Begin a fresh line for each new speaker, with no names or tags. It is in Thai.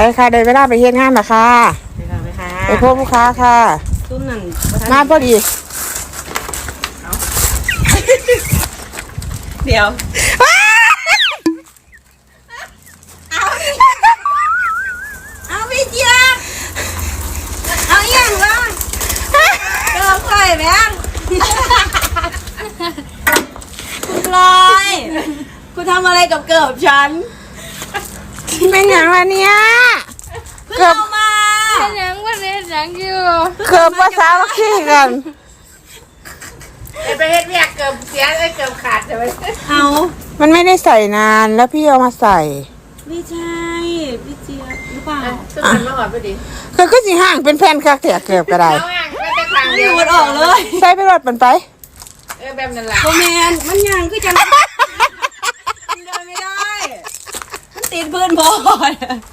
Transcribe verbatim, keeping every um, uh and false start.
ค่ะได้เวลาไปเฮ็ดงานแล้วค่ะไปค่ะไปค่ะไปพบลูกค้าค่ะซุ้มนั่นมาพอดีเดี๋ยวเอาเอาพี่เจี๊ยบเอาอย่างวะเกิดไข่แม่งคุณลอยคุณทำอะไรกับเกิบฉันเป็นอย่างไรเนี่ยเกิบมา
เป็นยังวันนี้ยังอยู่
เกิบภาษาขี้กัน
ไปเฮ็ดเวียกเกิบเสียไอ้เกิบขาดใช่ไหม
เอามันไม่ได้ใส่นานแล้วพี่เอามาใส่
ไม่ใช่พี่เจี๊ยบหรือเปล่า
สุดมันมาหอดพอดี
คือก็สิห่างเป็นแผ่นคักเถียเกือบก็ได้
เอาห่างไม่แต่ทางเดียว
มันออกเลย
ใส่ไปรถมันไป
เออแบบนั้นแหละ
โมเมนมันยังคือจังมันเดินไม่ได้มันติดเพื่อนบอล